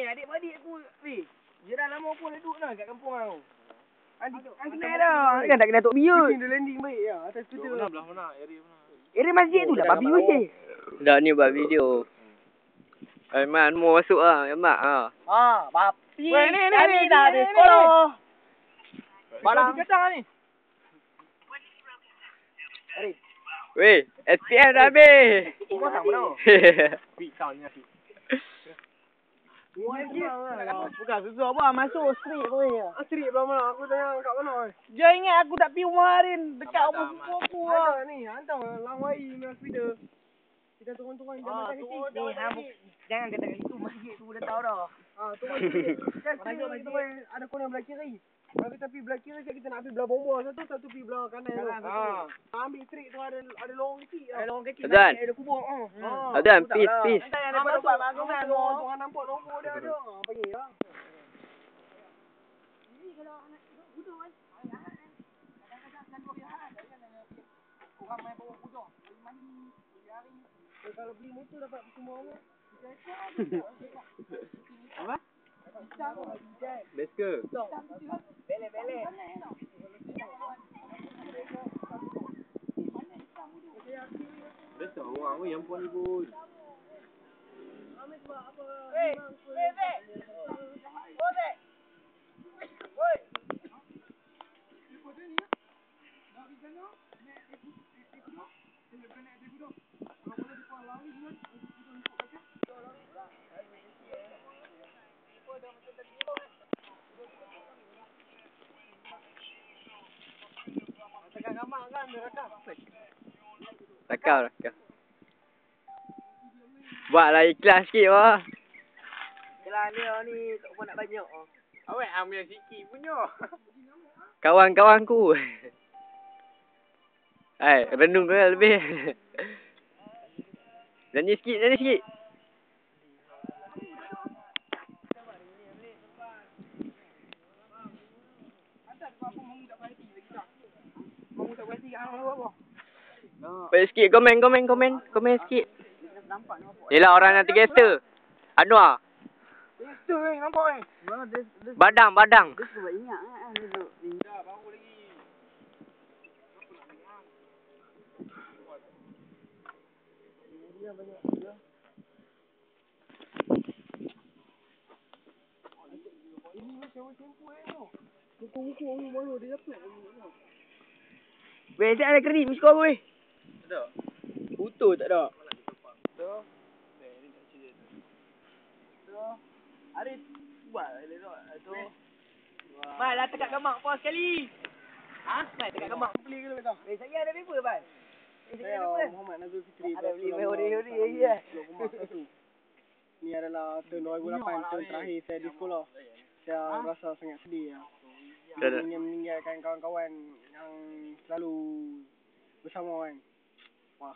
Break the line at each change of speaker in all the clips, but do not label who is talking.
adik-beradik aku, weh. Dia dah lama aku duduk dah kat kampung aku. Adik kenal dah. Kan tak kena tok biut. Dia landing baik ya atas skuter. Belah mana? Area masjid tu dah babi weh.
Dah ni buat video. Man, mau masuk ah, mak ah.
Babi. Ni dah ada sekolah. Barang kacang ni.
Weh, SPM dah habis.
Kau tak mana? Pisau ni asyik. Bukan susah apa masuk street pun ya. Street belah mana? Aku tanya kat mana? Dia ingat aku tak pergi rumah Harin dekat rumah sepupu aku lah. Ni hantar Langwai ni hospital. Kita turun-turun jam makan kecil. Ni jangan kata itu masjid tu dah tahu dah. Turun sikit. Kan kita ada corner belah kiri. Kalau kita pergi belah kiri kita nak pergi belah bomba satu pergi belah kanan tu. Ambil street tu ada lorong kecil. Ada lorong kecil. Ada kubur.
Adan, peace.
Kita yang dapat bangunan orang nampak nombor dia ada. Panggil lah. Ini kalau anak budak kan. Kadang-kadang selalu dia orang main bawa budak. Mandi hari. Kalau beli motor dapat semua orang. Apa?
Let's go.
Bele.
Besar orang yang puan ibu. Rakam. Buatlah ikhlas sikit wah.
Iklan dia ni tak pun nak banyak. Awak ambil sikit punya.
Kawan-kawanku. Renung tu lah lebih. Nyanyi sikit. Baik sikit, komen sikit. Yelah orang yang tergesa. Anwar.
Gangster ni nampak ni.
Badang.
Dia sebab ingat kan duduk ni. Dah baru lagi. Dia banyak dia. Ini macam tempo tu. Buku orang baru dia dapat. Weh, tak ada kredit miskol weh.
Tak ada. Foto tak ada.
Tu. Ni tak cerita tu. Ada buat tu. Mai lah tekat gamak pos sekali. Mai tekat gamak beli ke tak? Saya ada paper ban. Saya Muhammad Nazul Fikri. Ada beli hori ya. Ni adalah tahun 2008 tahun terakhir saya di sekolah. Saya rasa sangat sedih ya. Saya ingin meninggalkan kawan-kawan yang selalu bersama kan. Wah.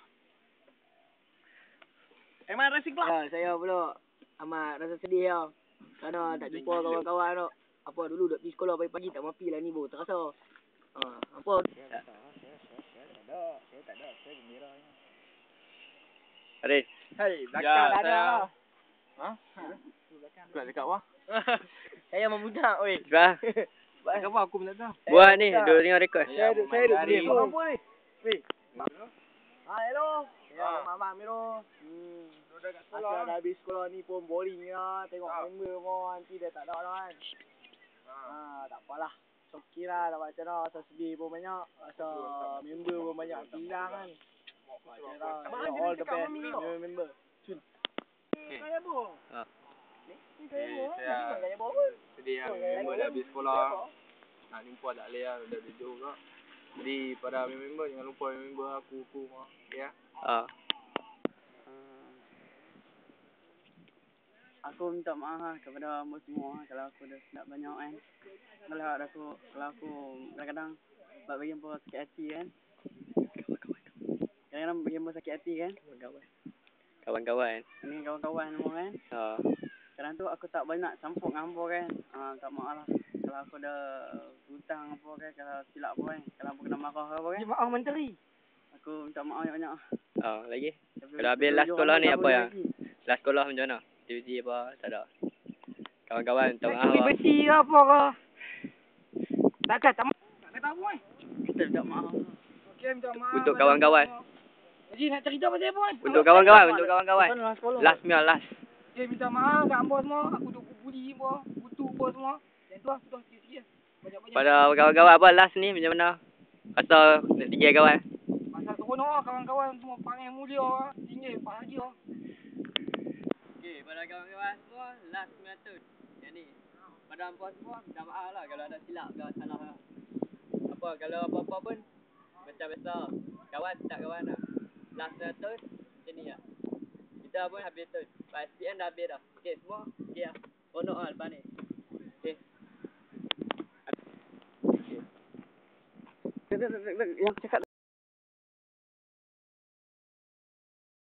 Eman racing club. Saya pula amat rasa sedih ya. Kerana tak jumpa kawan-kawan tu. Apa dulu duduk pergi sekolah pagi-pagi tak mapi lah ni baru terasa. Apa? Saya tak ada. Saya gembira.
Aris.
Hai, belakang dah ada.
Belakang dekat bawah.
Saya memudak weh.
Bah.
Belakang bawah aku pun tak tahu.
Buat ni, dua tengah rekod.
Saya duduk sini. Apa ni? Weh. Hello. Ya, Mak Miro. Dah kat sekolah. Aku dah habis sekolah ni pun boring lah. Tengok member pun nanti dah tak ada dah kan. Tak apalah. Okey lah, dah macam dah. Rasa sedih pun banyak. Rasa member pun banyak hilang kan. All the best member. Cun. Kaya bo. Ni kaya bo.
Sedih lah, member dah habis sekolah. Nak jumpa tak boleh lah, dah jauh pula. Jadi pada member jangan lupa member aku mah. Ya.
Aku minta maaf kepada amba semua kalau aku dah silap banyak kan. Kalau aku kadang-kadang buat bagi hampa sakit hati kan. Kadang-kadang bagi hampa sakit hati kan.
Kawan-kawan.
Ini kawan-kawan semua kan. Kadang tu aku tak banyak campur dengan hampa kan. Tak maaf lah. Kalau aku dah hutang apa kan. Kalau silap apa kan. Kalau hampa kena marah apa kan. Maaf menteri. Aku minta maaf banyak-banyak.
Lagi? Kalau habis last sekolah ni apa yang? Last sekolah macam mana? Aktiviti apa? Tak ada? Kawan-kawan minta
Nak
maaf
curi
lah.
besi ke apa ke. Tak kata apa ni.
Kita minta maaf.
Okey, minta maaf.
Untuk kawan-kawan.
Jadi nak cerita pasal apa ni?
Untuk kawan-kawan. Last meal last.
Okay, minta maaf kat hamba semua. Aku tu buli apa, kutu apa semua. Yang tu lah, sudah sikit-sikit. Banyak-banyak.
Pada kawan-kawan apa last ni macam mana? Pasal nak tinggal kawan.
Pasal seronok lah kawan-kawan semua panggil mulia. Tinggal bahagia.
Okey, pada kawan-kawan semua last meal tu. Yang ni. Pada hangpa semua minta maaf lah kalau ada silap ke salah lah. Apa kalau apa-apa pun macam biasa. Kawan tak kawan lah. Last meal tu macam ni lah. Kita pun habis tu. Lepas SPM dah habis dah. Okey semua. Okey lah. Seronok lah lepas ni. Okey.
Yang cakap